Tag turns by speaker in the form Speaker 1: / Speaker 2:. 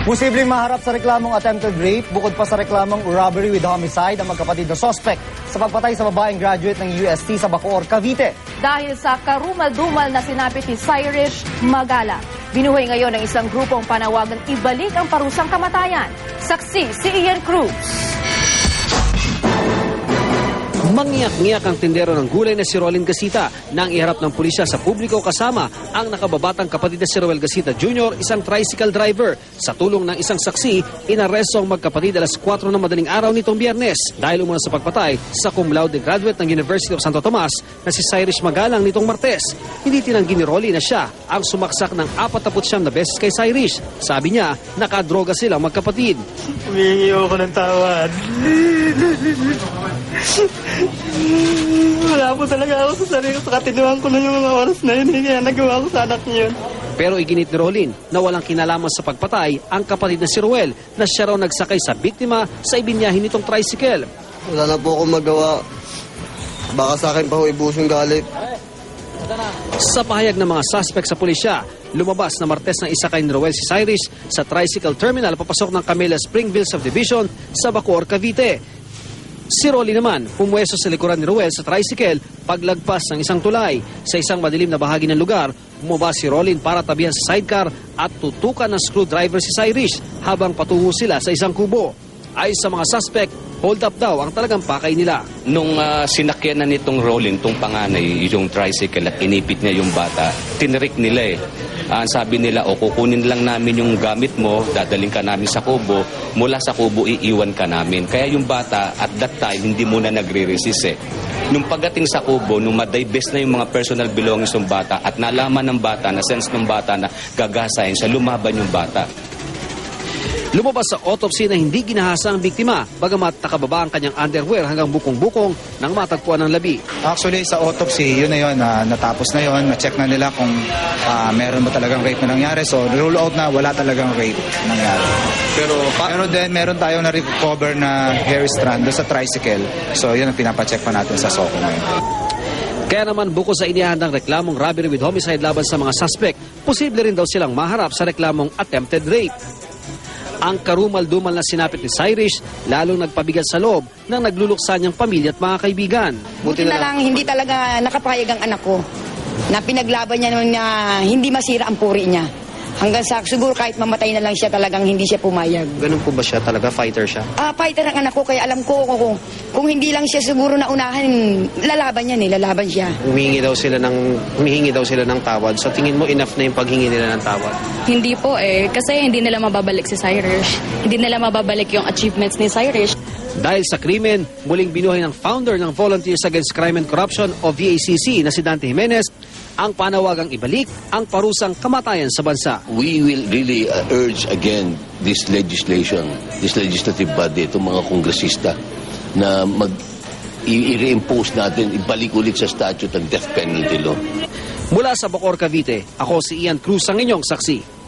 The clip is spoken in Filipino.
Speaker 1: Posibleng maharap sa reklamong attempted rape bukod pa sa reklamong robbery with homicide ang magkapatid na suspect sa pagpatay sa babaeng graduate ng UST sa Bacoor, Cavite.
Speaker 2: Dahil sa karumal-dumal na sinapit ni Cyrus Magala, binuhay ngayon ng isang grupong panawagang ibalik ang parusang kamatayan. Saksi si Ian Cruz.
Speaker 3: Mangyak-ngyak ang tindero ng gulay na si Rolin Gasita nang iharap ng pulisya sa publiko kasama ang nakababatang kapatid na si Roel Gasita Jr., isang tricycle driver. Sa tulong ng isang saksi, inaresto ang magkapatid alas 4 ng madaling araw nitong Biyernes dahil umuna sa pagpatay sa cum laude graduate ng University of Santo Tomas na si Cyrus Magalang nitong Martes. Hindi tinanggi ni Rolly na siya ang sumaksak ng 49 na beses kay Cyrus. Sabi niya, nakadroga silang magkapatid.
Speaker 4: Humihingi ako ng tawad. Wala po talaga ako sa sarili ko. Katinuhan ko na yung mga oras na yun. Kaya nagawa ko sa anak niyo.
Speaker 3: Pero iginit ni Rolin na walang kinalaman sa pagpatay ang kapatid na si Roel na siya raw nagsakay sa biktima sa ibinyahin nitong tricycle.
Speaker 5: Wala na po akong magawa. Baka sa akin pa ho ibusong galit.
Speaker 3: Sa pahayag ng mga suspect sa pulisya, lumabas na Martes ng isakay ni Roel si Cyrus sa tricycle terminal papasok ng Camela Springville Subdivision sa Bacoor, Cavite. Si Rolly naman, pumwesto sa likuran ni Roel sa tricycle paglagpas ng isang tulay. Sa isang madilim na bahagi ng lugar, bumaba si Rolin para tabihan sa sidecar at tutukan ng screwdriver si Cyrus habang patungo sila sa isang kubo. Ay sa mga suspect, hold up daw ang talagang pakay nila.
Speaker 6: Nung sinakyan na nitong Rolin, itong panganay, yung tricycle at inipit niya yung bata, tinirik nila eh. Ang sabi nila, o kukunin lang namin yung gamit mo, dadaling ka namin sa kubo, mula sa kubo iiwan ka namin. Kaya yung bata, at that time, hindi muna nagre-resist eh. Nung pagdating sa kubo, nung madaybes na yung mga personal belongings ng bata at nalaman ng bata, na sense ng bata na gagasahin siya, lumaban yung bata.
Speaker 3: Lumabas sa autopsy na hindi ginahasa ang biktima, bagamat nakababa ang kanyang underwear hanggang bukong-bukong nang matagpuan ng labi.
Speaker 7: Actually, sa autopsy, yun na yun, natapos na yun, na-check na nila kung meron ba talagang rape na nangyari. So, rule out na wala talagang rape nangyari. Pero then, meron tayong na-recover na hair strand doon sa tricycle. So, yun ang pinapacheck pa natin sa SOCO ngayon.
Speaker 3: Kaya naman bukod sa inihandang reklamong robbery with homicide laban sa mga suspect, posible rin daw silang maharap sa reklamong attempted rape. Ang karumal-dumal na sinapit ni Cyrus lalong nagpabigat sa loob ng nagluluksa niyang pamilya at mga kaibigan.
Speaker 8: Buti na lang hindi talaga nakapayag ang anak ko na pinaglaban niya naman na hindi masira ang puri niya. Hanggang sa siguro kahit mamatay na lang siya talagang hindi siya pumayag.
Speaker 3: Ganun po ba siya? Talaga fighter siya?
Speaker 8: Fighter ang anak ko kaya alam ko kung hindi lang siya siguro naunahan, lalaban niya lalaban siya.
Speaker 3: Humihingi daw sila ng tawad. So tingin mo enough na yung paghingi nila ng tawad?
Speaker 9: Hindi po kasi hindi nila mababalik si Cyrus. Hindi nila mababalik yung achievements ni Cyrus.
Speaker 3: Dahil sa krimen, muling binuhay ng founder ng Volunteers Against Crime and Corruption o VACC na si Dante Jimenez ang panawagang ibalik ang parusang kamatayan sa bansa.
Speaker 10: We will really urge again this legislation, this legislative body, itong mga kongresista na i-reimpose natin, ibalik ulit sa statute ang death penalty law.
Speaker 3: Mula sa Bacoor, Cavite, ako si Ian Cruz ang inyong saksi.